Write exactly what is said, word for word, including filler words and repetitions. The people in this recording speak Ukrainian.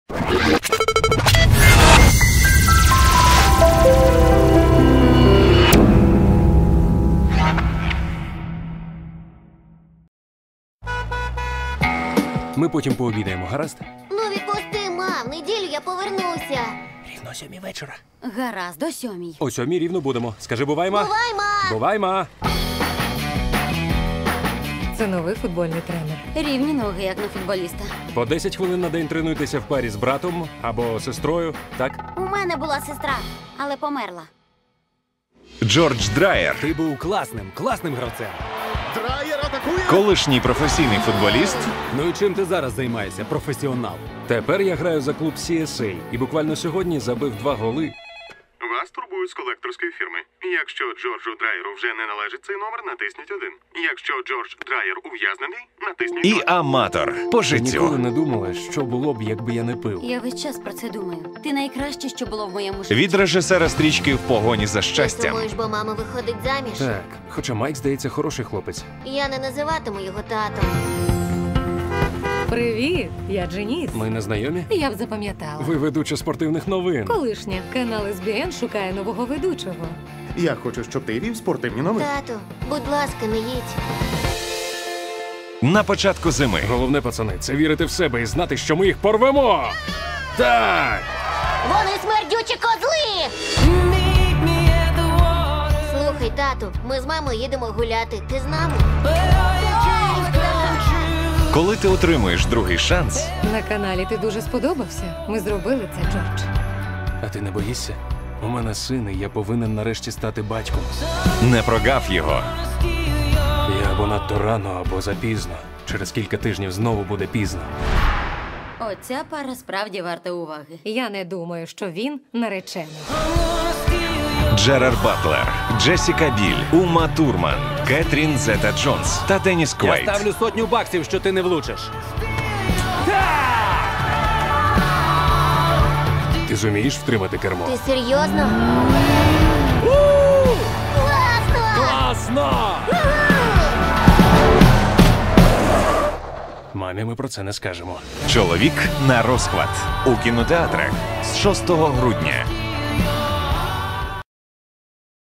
Ми потім пообідаємо, гаразд? Ну відпусти, мам, в неділю я повернуся. Рівно сьомій вечора. Гаразд, о сьомій. О сьомій рівно будемо. Скажи, бувай, ма. Бувай, ма! Бувай, ма. Це новий футбольний тренер. Рівні ноги, як на футболіста. По десять хвилин на день тренуйтеся в парі з братом або сестрою, так? У мене була сестра, але померла. Джордж Драйер, Ти був класним, класним гравцем. колишній професійний футболіст, Ну і чим ти зараз займаєшся, професіонал? Тепер я граю за клуб Сі Ес Ей і буквально сьогодні забив два голи. Вас турбують з колекторської фірми. Якщо Джорджу Драйеру вже не належить цей номер, натисніть один. Якщо Джордж Драйер ув'язнений, натисніть і два. аматор по Ти ніколи життю. не думала, що було б, якби я не пив. Я весь час про це думаю. Ти найкраще, що було в моєму житті. Від режисера стрічки «В погоні за Ти щастям». сумуєш, бо мама виходить заміж? Так, хоча Майк, здається, хороший хлопець. Я не називатиму його татом. Привіт, я Дженіс. Ми не знайомі? Я б запам'ятала. Ви ведуча спортивних новин. Колишня. Канал Ес Бі Ен шукає нового ведучого. Я хочу, щоб ти вів спортивні новини. Тату, будь ласка, не їдь. На початку зими Головне, пацани, це вірити в себе і знати, що ми їх порвемо. Так! Вони смердючі козли! Слухай, тату, ми з мамою їдемо гуляти. Ти з нами? коли ти отримуєш другий шанс, На каналі ти дуже сподобався. Ми зробили це, Джордж. А ти не боїшся? У мене син, і я повинен нарешті стати батьком. не прогав його. Я або надто рано, або запізно. Через кілька тижнів знову буде пізно. Оця пара справді варта уваги. Я не думаю, що він наречений. Джерард Батлер, Джесіка Біль, Ума Турман, Кетрін Зета-Джонс та Деніс Квайт. Я ставлю сотню баксів, що ти не влучиш. Ти зумієш втримати кермо? Ти серйозно? Класно! Класно! Мамі ми про це не скажемо. Чоловік на розхват у кінотеатрах з шостого грудня.